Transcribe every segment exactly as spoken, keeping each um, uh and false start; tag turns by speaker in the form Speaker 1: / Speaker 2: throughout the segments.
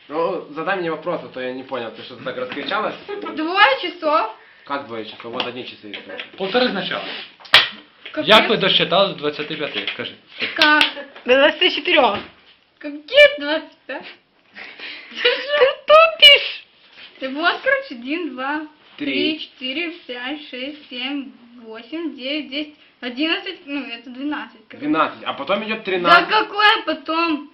Speaker 1: Ну, задай мне вопрос, а то я не понял, ты что-то так раскричалась?
Speaker 2: Двое часов.
Speaker 1: Как двое часов? Вот одни часы есть.
Speaker 3: Полтори спочатку.
Speaker 2: Капец.
Speaker 3: Як ви досчитали до двадцяти п'яти? Скажи.
Speaker 2: Как?
Speaker 4: До двадцати чотирьох.
Speaker 2: Какие двадцать пять?
Speaker 4: Ти тупиш.
Speaker 2: Ты вот, короче, один, два,
Speaker 1: Три.
Speaker 2: три, четыре, пять, шесть, семь, восемь, девять, десять, одиннадцать, ну это двенадцать. короче.
Speaker 1: двенадцать, а потом идет
Speaker 2: Да
Speaker 1: тринадцать.
Speaker 2: какое потом?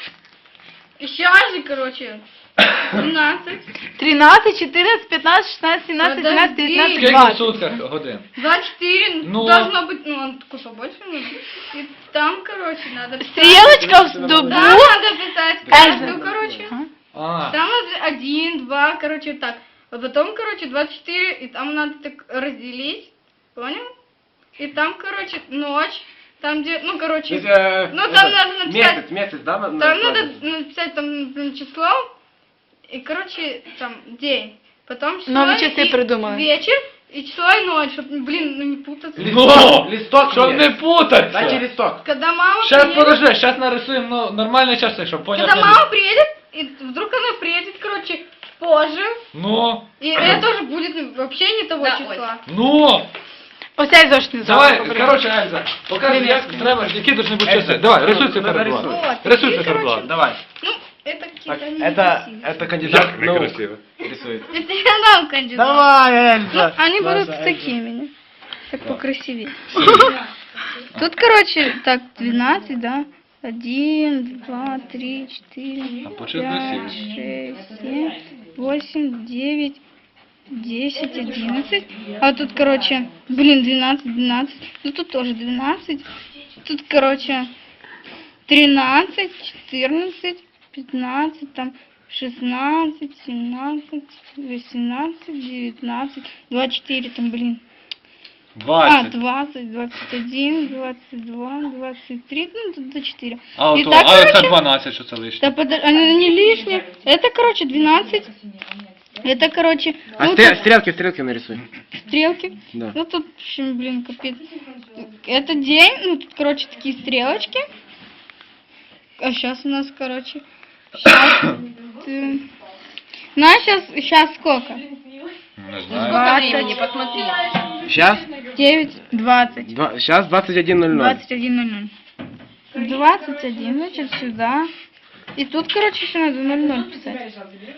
Speaker 2: Сейчас же, короче, двенадцать,
Speaker 4: тринадцять, чотирнадцять, п'ятнадцять, шістнадцять, сімнадцять, сімнадцять,
Speaker 2: Подожди.
Speaker 4: дев'ятнадцять,
Speaker 3: Скільки в
Speaker 4: двадцять.
Speaker 3: сутках годин?
Speaker 2: двадцать четыре,
Speaker 3: Ну.
Speaker 2: должно быть, ну он такой побольше, ну, и там, короче, надо писать.
Speaker 4: Стрілочка в добу.
Speaker 2: Там надо писать каждую,
Speaker 4: Эльза.
Speaker 2: короче.
Speaker 3: А,
Speaker 2: Там надо один, два, короче, так. А потом, короче, двадцать четыре, и там надо так разделить, понял? И там, короче, ночь, там где, ну,
Speaker 1: То
Speaker 2: короче,
Speaker 1: есть, э,
Speaker 2: ну,
Speaker 1: это,
Speaker 2: там надо написать,
Speaker 1: Месяц, месяц, да? на-
Speaker 2: там
Speaker 1: на-
Speaker 2: надо написать там например, число, и, короче, там день, потом число
Speaker 4: Новые часы
Speaker 2: и
Speaker 4: придумали.
Speaker 2: вечер, и число и ночь, чтобы, блин, ну не путаться.
Speaker 3: Ну,
Speaker 1: листок
Speaker 3: щоб
Speaker 1: є.
Speaker 3: не путатися.
Speaker 1: Дайте листок.
Speaker 2: Когда мама
Speaker 3: Сейчас
Speaker 2: приедет,
Speaker 3: подожди, сейчас нарисуем ну, нормальные часы, чтобы
Speaker 2: когда
Speaker 3: понятно.
Speaker 2: мама приедет, и вдруг она приедет, короче, позже,
Speaker 3: Ну,
Speaker 2: и это уже будет ну, вообще не того
Speaker 5: Да,
Speaker 2: числа.
Speaker 3: ну.
Speaker 4: Оцей зошитний
Speaker 3: Давай,
Speaker 4: зошит.
Speaker 3: короче, Ельза, покажи, як треба, які должны бути часи. Давай, рисуй
Speaker 1: ну,
Speaker 3: циферблат.
Speaker 1: нарисуй.
Speaker 2: Вот,
Speaker 3: Рисуй
Speaker 2: и,
Speaker 3: циферблат.
Speaker 2: короче,
Speaker 1: Давай.
Speaker 2: Ну, это
Speaker 1: Так,
Speaker 2: какие-то
Speaker 1: это,
Speaker 2: некрасивые.
Speaker 1: это кандидат наук
Speaker 3: Некрасиво.
Speaker 1: рисует.
Speaker 2: Это я дам кандидат.
Speaker 1: Давай,
Speaker 2: Ну,
Speaker 1: Эльза.
Speaker 2: они
Speaker 1: Наша
Speaker 2: будут
Speaker 1: Эльза.
Speaker 2: такими, не? Так покрасивее. Тут, короче, так, двенадцать, да? Один, два, три, четыре,
Speaker 3: А почему
Speaker 2: пять,
Speaker 3: красиво?
Speaker 2: шесть, семь, восемь, девять, десять, одиннадцать. А тут, короче, блин, двенадцать, двенадцать. Ну тут тоже двенадцать. Тут, короче, тринадцать, четырнадцать, пятнадцать, там, шестнадцать, семнадцать, восемнадцать, девятнадцать, двадцать четыре, там, блин. А,
Speaker 3: двадцать.
Speaker 2: двадцать, двадцать один, двадцать два, двадцать три, ну тут до четыре.
Speaker 3: А,
Speaker 2: И
Speaker 3: ото,
Speaker 2: так,
Speaker 3: а це
Speaker 2: короче,
Speaker 3: дванадцять, що це лишнє.
Speaker 2: да подо- они не лишние. Это, короче, двенадцать. Это, короче,
Speaker 1: А
Speaker 2: ну,
Speaker 1: стрел-
Speaker 2: тут
Speaker 1: стрелки, стрелки нарисуй.
Speaker 2: стрелки.
Speaker 1: Да.
Speaker 2: Ну тут, в общем, блин, капец. Это день, ну тут, короче, такие стрелочки. А сейчас у нас, короче, сейчас... Знаешь, сейчас, сейчас сколько?
Speaker 3: Не знаю.
Speaker 5: Сколько времени, посмотри.
Speaker 1: Сейчас?
Speaker 2: девять, двадцать.
Speaker 1: Два, сейчас двадцать один ноль ноль.
Speaker 2: двадцать один ноль ноль. двадцать один, значит, сюда. И тут, короче, еще надо ноль ноль писать.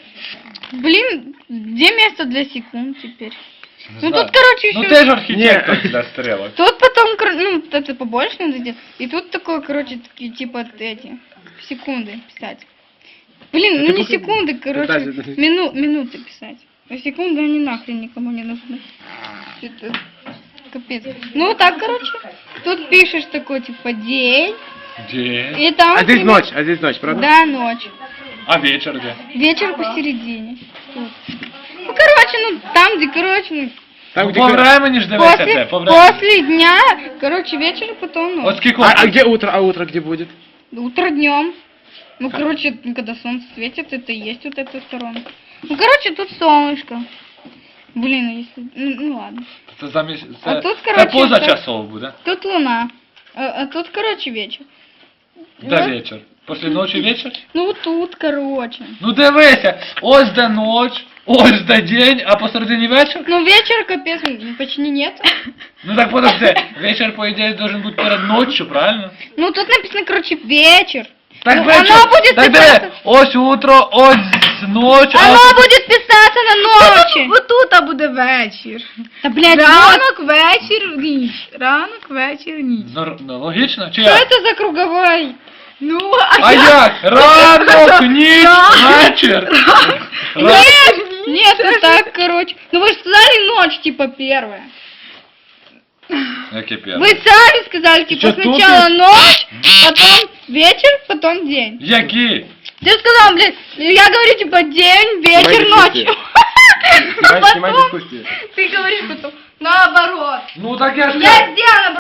Speaker 2: Блин, где место для секунд теперь?
Speaker 3: Не
Speaker 2: Ну
Speaker 3: знаю.
Speaker 2: тут, короче, еще...
Speaker 3: Ну ти ж архітектор для стрілок.
Speaker 2: Тут потом, кор- ну, вот это побольше надо делать. И тут такое, короче, такие, типа, эти, секунды писать. Блин, ну
Speaker 1: Ты
Speaker 2: не
Speaker 1: пока-
Speaker 2: секунды, короче,
Speaker 1: Подожди, подожди.
Speaker 2: мину, минуты писать. А секунды они нахрен никому не нужны. Это капец. Ну вот так, короче, тут пишешь такой, типа, день.
Speaker 3: День.
Speaker 2: И там...
Speaker 1: А здесь
Speaker 2: примерно-
Speaker 1: ночь, а здесь ночь, правда?
Speaker 2: Да, ночь.
Speaker 3: А вечір де?
Speaker 2: Вечер посередине. Тут. Ну, короче, ну, там, где, короче, ну,
Speaker 1: Там,
Speaker 3: Ну,
Speaker 1: где...
Speaker 3: по времени ж дивися
Speaker 2: после,
Speaker 3: де, по времени.
Speaker 2: после дня, короче, вечер, потом ночь.
Speaker 3: От скільки?
Speaker 1: А, а где утро? А утро где будет?
Speaker 2: Утро днем. Ну, короче, когда солнце светит, это и есть вот эта сторона. Ну, короче, тут солнышко. Блин, а если... Ну, ну ладно.
Speaker 3: Це замість... Це,
Speaker 2: А тут,
Speaker 3: це
Speaker 2: короче,
Speaker 3: позачасово буде.
Speaker 2: Тут луна. А, а тут, короче, вечер.
Speaker 3: Де
Speaker 2: Вот.
Speaker 3: вечір? Після ночі вечір?
Speaker 2: Ну, вот тут, короче.
Speaker 3: Ну дивися, ось де ніч, ось де день, а посередині вечір?
Speaker 2: Ну, вечер, капец, ну, почти нет.
Speaker 3: Ну так подожди, вечір, по ідеї, должен бути перед ночью, правильно?
Speaker 2: Ну, тут написано, короче, вечер.
Speaker 3: Так
Speaker 2: Ну,
Speaker 3: вечір,
Speaker 2: оно будет
Speaker 3: так
Speaker 2: писаться-
Speaker 3: диви, ось утро, ось ночь, а
Speaker 2: Оно
Speaker 3: ось...
Speaker 2: будет писаться на ночи.
Speaker 5: Вот тут буде вечір.
Speaker 2: Да, блядь, вот.
Speaker 5: Ранок, вечір, ніч. Ранок, вечір, ніч.
Speaker 3: Ну, ну, логічно, чи
Speaker 2: Что
Speaker 3: як?
Speaker 2: это за круговой?
Speaker 5: Ну,
Speaker 3: А як? Ранок, ніч, вечір. Ра-
Speaker 2: Нет, нет, ну так, короче. Ну вы же сказали ночь, типа, первая.
Speaker 3: Яке
Speaker 2: Вы
Speaker 3: перше?
Speaker 2: сами сказали, типа,
Speaker 1: чё,
Speaker 2: сначала ночь, потом вечер, потом день.
Speaker 3: Які?
Speaker 2: Ты сказал, блядь, я говорю, типа, день, вечер,
Speaker 1: Снимай
Speaker 2: ночь.
Speaker 1: дискуссию.
Speaker 2: А
Speaker 1: Снимай, снимай
Speaker 2: потом
Speaker 1: дискуссию.
Speaker 2: ты говоришь потом, наоборот.
Speaker 3: Ну так я ж...
Speaker 2: Я сделала